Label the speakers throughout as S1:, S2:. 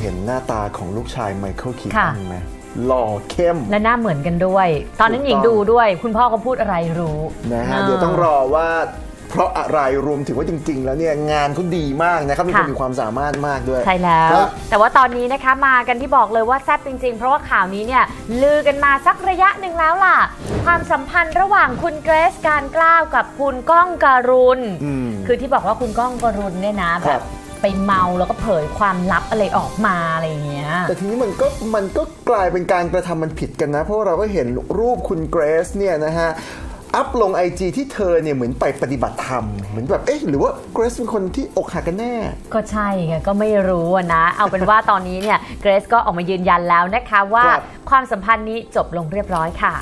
S1: ห็นหน้าตาของลูกชายไมเคิลคีตันไหมหล่อเข้ม
S2: และหน้าเหมือนกันด้วย ตอนนั้นหญิงดูด้วย คุณพ่อเขาพูดอะไรรู้
S1: นะฮะเดี๋ยวต้องรอว่าเพราะอะไรรวมถึงว่าจริงๆแล้วเนี่ยงานเขาดีมากนะครับมีคนมีความสามารถมากด้วย
S2: ใช่แล้วแต่ว่าตอนนี้นะคะมากันที่บอกเลยว่าแซ่บจริงๆเพราะว่าข่าวนี้เนี่ยลือกันมาสักระยะหนึ่งแล้วล่ะความสัมพันธ์ระหว่างคุณเกรซการกล้าวกับคุณก้องการุณคือที่บอกว่าคุณก้องการุณเนี่ยนะแบบไปเมาแล้วก็เผยความลับอะไรออกมาอะไรอย่างเงี้ย
S1: แต่ทีนี้มันก็กลายเป็นการกระทำมันผิดกันนะเพราะเราก็เห็นรูปคุณเกรซเนี่ยนะฮะอัพลง IG ที่เธอเนี่ยเหมือนไปปฏิบัติธรรมเหมือนแบบหรือว่าเกรซเป็นคนที่อกหักกันแน่
S2: ก็ใช่ไงก็ไม่รู้นะเอาเป็นว่าตอนนี้เนี่ยเกรซก็ออกมายืนยันแล้วนะคะว่าความสัมพันธ์นี้จบลงเรียบร้อยค่ะ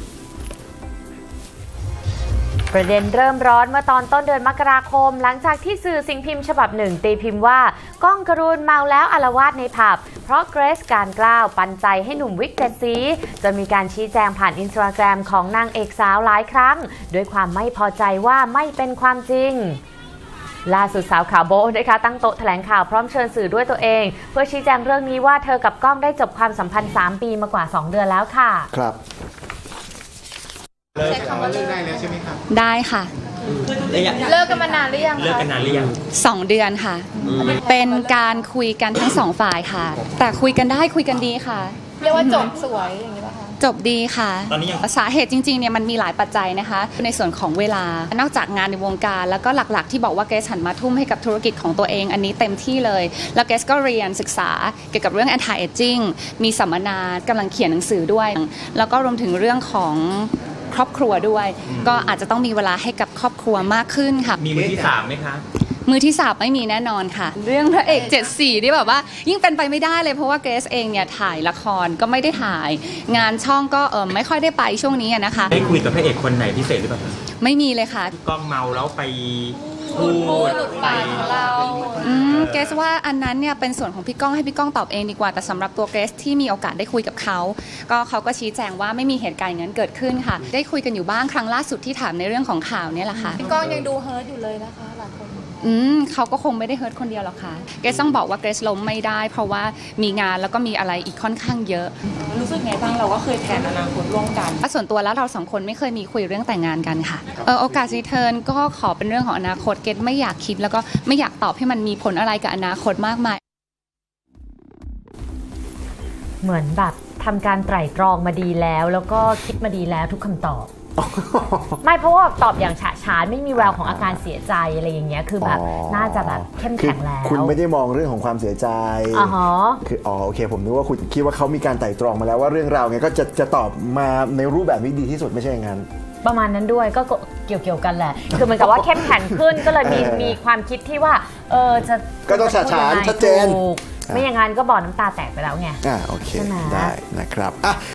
S2: ประเด็นเริ่มร้อนเมื่อตอนต้นเดือนมกราคมหลังจากที่สื่อสิ่งพิมพ์ฉบับหนึ่งตีพิมพ์ว่าก้องการุณเมาแล้วอาละวาดในผับเพราะเกรซการกล้าวปันใจให้หนุ่มวิกเจ็ดสีจนมีการชี้แจงผ่านอินสตาแกรมของนางเอกสาวหลายครั้งด้วยความไม่พอใจว่าไม่เป็นความจริงล่าสุดสาวขาวโบ๊ะนะคะตั้งโต๊ะแถลงข่าวพร้อมเชิญสื่อด้วยตัวเองเพื่อชี้แจงเรื่องนี้ว่าเธอกับก้องได้จบความสัมพันธ์3 ปีมากว่า2 เดือนแล้วค่ะ
S1: ครับ
S3: ใช้คำว่าเลิกได้แล้วใช่ไหมครับ
S4: ได้ค่ะ
S3: เลิกกันมานานหรือยัง
S5: เลิกกันนานหรือยัง
S4: 2 เดือนค่ะเป็นการคุยกันทั้ง2 ฝ่ายค่ะแต่คุยกันได้คุยกันดีค่ะ
S3: เรียกว่าจบสวยอย่างนี้ป่ะคะ
S4: จบดีค่ะ
S5: ตอนนี้
S4: สาเหตุจริงๆเนี่ยมันมีหลายปัจจัยนะคะในส่วนของเวลานอกจากงานในวงการแล้วก็หลักๆที่บอกว่าเกรซหันมาทุ่มให้กับธุรกิจของตัวเองอันนี้เต็มที่เลยแล้วเกรซก็เรียนศึกษาเกี่ยวกับเรื่อง anti aging มีสัมมนากำลังเขียนหนังสือด้วยแล้วก็รวมถึงเรื่องของครอบครัวด้วยก็อาจจะต้องมีเวลาให้กับครอบครัวมากขึ้นค่ะ
S5: มีมือที่3ไหมคะ
S4: มือที่3ไม่มีแน่นอนค่ะเรื่องพระเอก74นี่แบบว่ายิ่งเป็นไปไม่ได้เลยเพราะว่าเกรซเองเนี่ยถ่ายละครก็ไม่ได้ถ่ายงานช่องก็ไม่ค่อยได้ไปช่วงนี้นะคะ
S5: ได้คุยกับพระเอกคนไหนพิเศษหรือเปล่า
S4: ไม่มีเลยค่ะ
S5: ก้องเมาแล้วไปพูด
S3: ไปเรา
S4: เกรซว่าอันนั้นเนี่ยเป็นส่วนของพี่ก้องให้พี่ก้องตอบเองดีกว่าแต่สำหรับตัวเกรซที่มีโอกาสได้คุยกับเขาก็ชี้แจงว่าไม่มีเหตุการณ์อย่างนั้นเกิดขึ้นค่ะได้คุยกันอยู่บ้างครั้งล่าสุดที่ถามในเรื่องของข่าวเนี่ยแหละค่ะ
S3: พี่ก้องยังดูเฮิร์ตอยู่เลยนะคะหลายคน
S4: เขาก็คงไม่ได้เฮิร์ตคนเดียวหรอกค่ะเกรซต้องบอกว่าเกรซล้มไม่ได้เพราะว่ามีงานแล้วก็มีอะไรอีกค่อนข้างเยอะ
S3: รู้สึกไงบ้างเราก็เคยแผนอนาคตร่วมกัน
S4: ส่วนตัวแล้วเรา2 คนไม่เคยมีคุยเรื่องแต่งงานกันค่ะโอกาสรีเทิร์นก็ขอเป็นเรื่องของอนาคตเกรซไม่อยากคิดแล้วก็ไม่อยากตอบให้มันมีผลอะไรกับอนาคตมากมาย
S2: เหมือนแบบทำการไตร่ตรองมาดีแล้วก็คิดมาดีแล้วทุกคำตอบไม่เพราะว่าตอบอย่างฉะฉานไม่มีแววของอาการเสียใจอะไรอย่างเงี้ยคือแบบน่าจะแบบเข้มแข็งแล้ว
S1: คุณไม่ได้มองเรื่องของความเสียใจคือโอเคผมนึกว่าคุณคิดว่าเขามีการไต่ตรองมาแล้วว่าเรื่องราวไงก็จะตอบมาในรูปแบบนี้ดีที่สุดไม่ใช่อย่างนั้น
S2: ประมาณนั้นด้วยก็เกี่ยวกันแหละคือเหมือนกับว่าเข้มแข็งขึ้นก็เลยมีความคิดที่ว่าจะ
S1: ก็ต้องฉะฉานชัดเจน
S2: ไม่อย่างนั้นก็บ่อน้ำตาแตกไปแล้วไง
S1: โอเคได้นะครับ